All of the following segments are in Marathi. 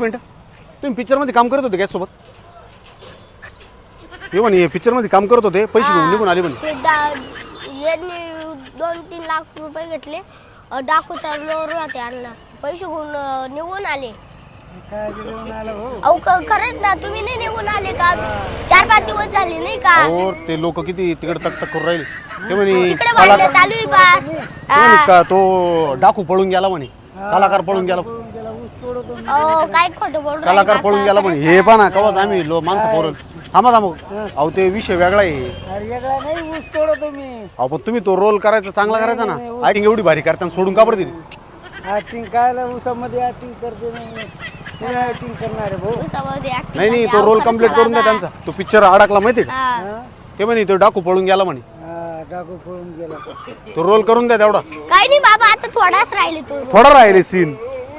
मिनिट, तुम्ही पिक्चर मध्ये काम करत होते काय सोबत? हे म्हणे पिक्चर मध्ये काम करत होते, पैसे घेऊन निघून आले म्हणे. यांनी 2-3 लाख रुपये घेतले, डाकूचा लोर होते आणला, पैसे घेऊन निघून आले. अहो खरंच ना, तुम्ही नाही निघून आले का? 4-5 दिवस झाले नाही का? हो, ते लोक किती तिकडे तक करून राहिले. ते म्हणे तिकडे भांडण चालू आहे बा. का तो डाकू पळून गेला म्हणे, कलाकार पळून गेला. काय खोटं बोल कलाकार पळून गेला म्हणे. हे पहा ना, कवाच आम्ही माणसं पोरं थांबा. अहो ते विषय वेगळा आहे. अहो पण तुम्ही तो रोल करायचा, चांगला करायचा ना. ऍक्टिंग एवढी भारी करताना सोडून का बरं दिली? ऍक्टिंग कायला उसामध्ये ऍक्टिंग करते ऍक्टिंग करणार आहे भाऊ. नाही, तो रोल कम्प्लीट करून द्या त्यांचा. तो पिक्चर अडकला माहितीये का? ते म्हणे तो डाकू पळून गेला म्हणे. डाकू पळून गेला. तो रोल करून द्या तेवढा. काही नाही बाबा, आता थोडाच राहिले तो. थोडा राहिले सीन,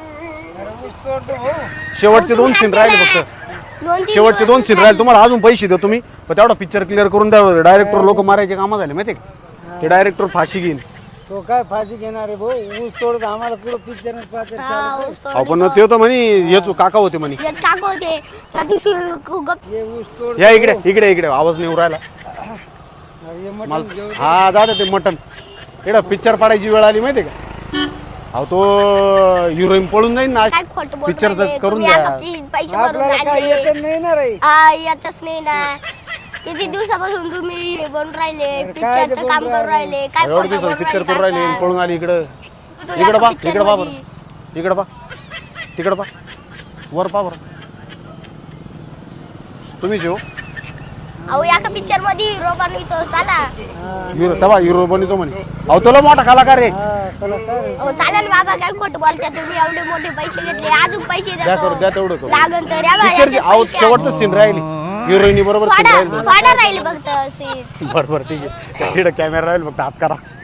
शेवटचे 2 सीन राहिले फक्त. शेवटचे 2 सीन राहिले. तुम्हाला अजून पैसे देतो तुम्ही, पण तेवढा पिक्चर क्लिअर करून द्या. डायरेक्टर लोक मारायचे कामं झाले माहितीये का? ते डायरेक्टर फाशी घेईन. तो काय फाशी घेणार आहे भाऊ? ऊस तोडत आम्हाला पुढे पिक्चर पाहते. आपण ते होतं म्हणे, हेच काका होते म्हणे. काका होते त्या दिवशी ऊस तोड. या इकडे इकडे इकडे, आवाज नाही राहिला. हा जाते ते मटन. इकडे पिक्चर पाडायची वेळ आली माहितीये का? अहो तो हिरोईन पळून जाईन ना. पिक्चरच करून द्या. पैसे भरून आणले. नाही ना रे. येतच नाही ना. किती दिवसापासून तुम्ही बनून राहिले, पिक्चरचं काम करून राहिले. काय एवढं दिवस पिक्चर करून राहिले, पळून आली इकडं. इकडं पा, इकडं पा बरं. इकडं पा, तिकडं पा, वर पा बरं. तुम्ही जेव. अहो एका पिक्चर मध्ये हिरो बनवितो चला. हिरो बनतो म्हणे. अहो तुला मोठा कलाकार रे. अहो चालेल बाबा, काय खोटं बोलता तुम्ही? एवढे मोठे पैसे घेतले, अजून पैसे द्या करू, द्या तेवढं करू. लागन तर या बाया, पिक्चरची अहो शेवटचं सीन राहिली. हिरोईनी बरोबर सीन राहिली. वाडा राहिले फक्त सीन. बरोबर ठीक आहे. तिकडे कॅमेरा राहील फक्त, हात करा.